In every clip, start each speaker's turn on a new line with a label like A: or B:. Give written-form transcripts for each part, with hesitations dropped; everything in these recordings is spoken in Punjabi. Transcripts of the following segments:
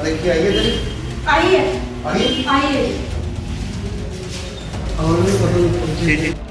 A: देखिए आई है तेरी
B: आई है
A: आई है
B: आई है
A: और भी पता नहीं
C: जी जी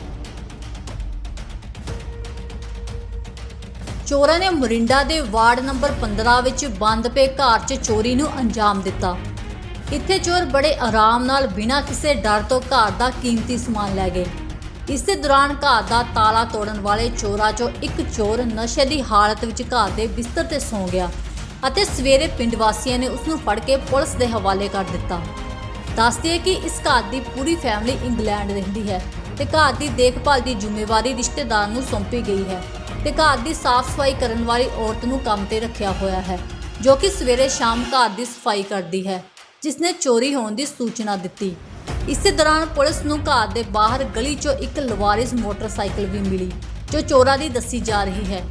D: ਚੋਰਾਂ ਨੇ ਮੋਰਿੰਡਾ ਦੇ ਵਾਰਡ ਨੰਬਰ 15 ਵਿੱਚ ਬੰਦ ਪਏ ਘਰ 'ਚ ਚੋਰੀ ਨੂੰ ਅੰਜਾਮ ਦਿੱਤਾ। ਇੱਥੇ ਚੋਰ ਬੜੇ ਆਰਾਮ ਨਾਲ ਬਿਨਾਂ ਕਿਸੇ ਡਰ ਤੋਂ ਘਰ ਦਾ ਕੀਮਤੀ ਸਮਾਨ ਲੈ ਗਏ। ਇਸੇ ਦੌਰਾਨ ਘਰ ਦਾ ਤਾਲਾ ਤੋੜਨ ਵਾਲੇ ਚੋਰਾਂ 'ਚੋਂ ਇੱਕ ਚੋਰ ਨਸ਼ੇ ਦੀ ਹਾਲਤ ਵਿੱਚ ਘਰ ਦੇ ਬਿਸਤਰ ਤੇ ਸੌਂ ਗਿਆ ਅਤੇ ਸਵੇਰੇ ਪਿੰਡ ਵਾਸੀਆਂ ਨੇ ਉਸ ਨੂੰ ਫੜ ਕੇ ਪੁਲਿਸ ਦੇ ਹਵਾਲੇ ਕਰ ਦਿੱਤਾ। ਦੱਸਦੇ ਹੈ ਕਿ ਇਸ ਘਰ ਦੀ ਪੂਰੀ ਫੈਮਿਲੀ ਇੰਗਲੈਂਡ ਰਹਿੰਦੀ ਹੈ ਤੇ ਘਰ ਦੀ ਦੇਖਭਾਲ ਦੀ ਜ਼ਿੰਮੇਵਾਰੀ ਰਿਸ਼ਤੇਦਾਰ ਨੂੰ ਸੌਂਪੀ ਗਈ ਹੈ ਤੇ ਘਰ ਦੀ ਸਾਫ਼ ਸਫਾਈ ਕਰਨ ਵਾਲੀ ਔਰਤ ਨੂੰ ਕੰਮ ਤੇ ਰੱਖਿਆ ਹੋਇਆ ਹੈ ਜੋ ਕਿ ਸਵੇਰੇ ਸ਼ਾਮ ਘਰ ਦੀ ਸਫਾਈ ਕਰਦੀ ਹੈ, ਜਿਸ ਨੇ ਚੋਰੀ ਹੋਣ ਦੀ ਸੂਚਨਾ ਦਿੱਤੀ। ਇਸੇ ਦੌਰਾਨ ਪੁਲਿਸ ਨੂੰ ਘਰ ਦੇ ਬਾਹਰ ਗਲੀ 'ਚੋਂ ਇੱਕ ਲਵਾਰਿਸ ਮੋਟਰਸਾਈਕਲ ਵੀ ਮਿਲੀ ਜੋ ਚੋਰਾਂ ਦੀ ਦੱਸੀ ਜਾ ਰਹੀ ਹੈ।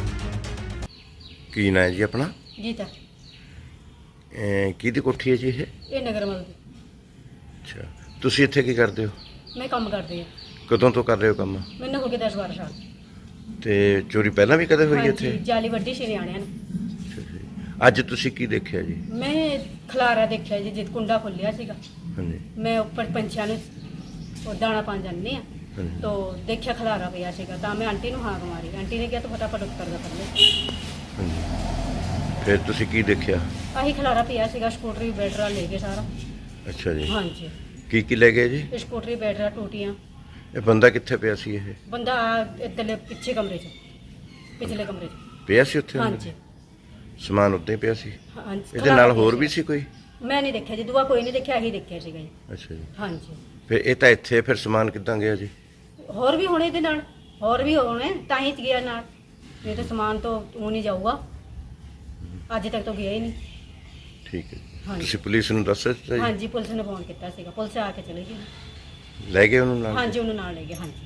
C: ਕੀ ਨਾਂ ਹੈ ਜੀ ਆਪਣਾ?
B: गीता
C: ਕਿਹਦੀ ਕੋਠੀ ਹੈ ਜੀ ਇਹ?
B: ये नगरमल दी
C: ਅੱਛਾ, ਤੁਸੀਂ ਇੱਥੇ ਕੀ ਕਰਦੇ ਹੋ?
B: मैं काम करती हूँ।
C: ਕਦੋਂ ਤੋਂ ਕਰ ਰਹੇ ਹੋ ਕੰਮ?
B: मैंने हो गए 10-12 साल।
C: ਤੇ ਚੋਰੀ ਪਹਿਲਾਂ ਵੀ ਕਦੇ ਹੋਈ
B: हाँ
C: ਇੱਥੇ?
B: जी, जाली वड्डी से न्याणियां ने।
C: ਅੱਛਾ ਜੀ। ਅੱਜ ਤੁਸੀਂ ਕੀ ਦੇਖਿਆ ਜੀ?
B: मैं खलारा देखा जी जित कुंडा खोलिया सीगा।
C: ਹਾਂਜੀ
B: मैं ऊपर पंछियां ਨੂੰ ਉਹ ਦਾਣਾ ਪਾਣ ਜਾਂਦੇ ਆ
C: ਹਾਂਜੀ
B: तो देखा खलारा पिया सीगा ਤਾਂ मैं आंटी ਨੂੰ हाक मारी। आंटी ने किहा तो फटाफट उत्तर दा कर ले।
C: ਹਾਂਜੀ। ਫਿਰ ਤੁਸੀਂ ਕੀ ਦੇਖਿਆ?
B: ਆਹੀ ਖਲਾਰਾ ਪਿਆ ਸੀਗਾ, ਸਕੂਟਰੀ ਬੈਟਰਾ ਲੈ ਗਏ ਸਾਰਾ।
C: ਅੱਛਾ ਜੀ।
B: ਹਾਂਜੀ,
C: ਕੀ ਲੈ ਗਏ ਜੀ?
B: ਸਕੂਟਰੀ ਬੈਟਰਾ ਟੂਟੀਆਂ।
C: ਇਹ ਬੰਦਾ ਕਿੱਥੇ ਪਿਆ ਸੀ? ਇਹ
B: ਬੰਦਾ ਇੱਧਰਲੇ ਪਿੱਛੇ ਕਮਰੇ 'ਚ, ਪਿਛਲੇ ਕਮਰੇ 'ਚ।
C: ਪਿਆ ਸੀ ਉੱਥੇ?
B: ਹਾਂਜੀ
C: ਸਮਾਨ ਉੱਤੇ ਪਿਆ ਸੀ?
B: ਹਾਂਜੀ।
C: ਇਹਦੇ
B: ਖਿਲਾਰਾ
C: ਨਾਲ
B: ਪਿਆ
C: ਹੋਰ ਵੀ ਸੀ ਕੋਈ?
B: ਮੈਂ ਨਹੀਂ ਦੇਖਿਆ ਜੀ, ਦੂਆ ਕੋਈ ਨਹੀਂ ਦੇਖਿਆ, ਇਹੀ ਦੇਖਿਆ ਸੀਗਾ ਜੀ।
C: ਅੱਛਾ ਜੀ।
B: ਹਾਂਜੀ,
C: ਫਿਰ ਇਹ ਤਾਂ ਇੱਥੇ ਫਿਰ ਸਮਾਨ ਕਿੱਦਾਂ ਗਿਆ ਜੀ?
B: ਹੋਰ ਵੀ ਹੋਣੇ ਇਹਦੇ ਨਾਲ, ਹੋਰ ਵੀ ਹੋਣੇ ਤਾਂ ਹੀ ਗਿਆ ਨਾਲ, ਨਹੀਂ ਤਾਂ ਸਮਾਨ ਤਾਂ ਉਹ ਨਹੀਂ ਜਾਊਗਾ। ਅੱਜ ਤੱਕ ਤਾਂ ਗਿਆ ਹੀ ਨਹੀਂ।
C: ਠੀਕ ਹੈ ਜੀ।
B: ਹਾਂਜੀ।
C: ਤੁਸੀਂ ਪੁਲਿਸ ਨੂੰ ਦੱਸ ਦਿੱਤਾ ਜੀ?
B: ਹਾਂਜੀ, ਪੁਲਿਸ ਨੇ ਫੋਨ ਕੀਤਾ ਸੀਗਾ, ਪੁਲਿਸ ਆ ਕੇ ਚਲੀ ਗਈ।
C: ਲੈ ਗਏ ਉਹਨੂੰ ਨਾਲ?
B: ਹਾਂਜੀ, ਉਹਨੂੰ ਨਾਲ ਲੈ ਗਏ। ਹਾਂਜੀ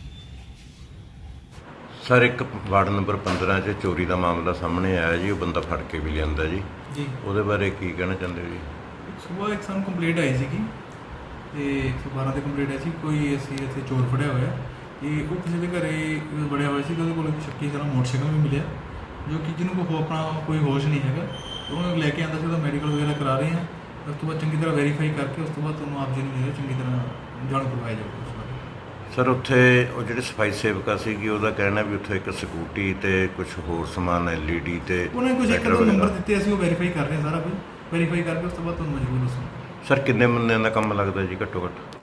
C: ਸਰ, ਇੱਕ ਵਾਰਡ ਨੰਬਰ 15 'ਚ ਚੋਰੀ ਦਾ ਮਾਮਲਾ ਸਾਹਮਣੇ ਆਇਆ ਜੀ। ਉਹ ਬੰਦਾ ਫੜ ਕੇ ਵੀ ਲਿਆਂਦਾ ਜੀ।
E: ਜੀ
C: ਉਹਦੇ ਬਾਰੇ ਕੀ ਕਹਿਣਾ ਚਾਹੁੰਦੇ ਹੋ ਜੀ?
E: ਸਵੇਰ ਇੱਕ ਸਾਨੂੰ ਕੰਪਲੇਂਟ ਆਈ ਸੀਗੀ ਤੇ 112 ਤੇ ਕੰਪਲੇਂਟ ਆਈ ਸੀ ਕੋਈ ਅਸੀਂ ਇੱਥੇ ਚੋਰ ਫੜਿਆ ਹੋਇਆ ਇਹ ਉਹ ਕਿਸੇ ਦੇ ਘਰੇ ਵੜਿਆ ਹੋਇਆ ਸੀ। ਉਹਦੇ ਕੋਲ ਇੱਕ ਸ਼ੱਕੀ ਤਰ੍ਹਾਂ ਮੋਟਰਸਾਈਕਲ ਵੀ ਮਿਲਿਆ ਜੋ ਕਿ ਜਿਹਨੂੰ ਕੋਈ ਆਪਣਾ ਕੋਈ ਹੋਸ਼ ਨਹੀਂ ਹੈਗਾ। ਉਹਨੂੰ ਲੈ ਕੇ ਆਂਦਾ ਸੀ, ਉਹਦਾ ਮੈਡੀਕਲ ਵਗੈਰਾ ਕਰਾ ਰਹੇ ਹਾਂ। ਉਸ ਤੋਂ ਬਾਅਦ ਚੰਗੀ ਤਰ੍ਹਾਂ ਵੈਰੀਫਾਈ ਕਰਕੇ ਉਸ ਤੋਂ ਬਾਅਦ ਤੁਹਾਨੂੰ ਆਪ ਜੀ ਨੂੰ ਜਿਹੜਾ ਚੰਗੀ ਤਰ੍ਹਾਂ ਜਾਣੂ ਕਰਵਾਇਆ ਜਾਊਗਾ ਉਸ ਬਾਰੇ।
C: ਸਰ, ਉੱਥੇ ਉਹ ਜਿਹੜੇ ਸਫਾਈ ਸੇਵਕਾ ਸੀਗੀ ਉਹਦਾ ਕਹਿਣਾ ਵੀ ਉੱਥੇ ਇੱਕ ਸਕੂਟੀ ਤੇ ਕੁਝ ਹੋਰ ਸਮਾਨ LED ਤੇ
E: ਉਹਨੇ ਕੁਝ ਇੱਕ
C: ਲੈਟਰ
E: ਦੋ ਨੰਬਰ
C: ਵਗੈਰਾ।
E: ਦਿੱਤੇ, ਅਸੀਂ ਉਹ ਵੈਰੀਫਾਈ ਕਰ ਰਹੇ ਹਾਂ ਸਾਰਾ ਕੁਝ। ਵੈਰੀਫਾਈ ਕਰਕੇ ਉਸ ਤੋਂ ਬਾਅਦ ਤੁਹਾਨੂੰ ਮਜ਼ਬੂਰ ਦੱਸਾਂਗੇ।
C: ਸਰ, ਕਿੰਨੇ ਬੰਦਿਆਂ ਦਾ ਕੰਮ ਲੱਗਦਾ ਜੀ ਘੱਟੋ ਘੱਟ?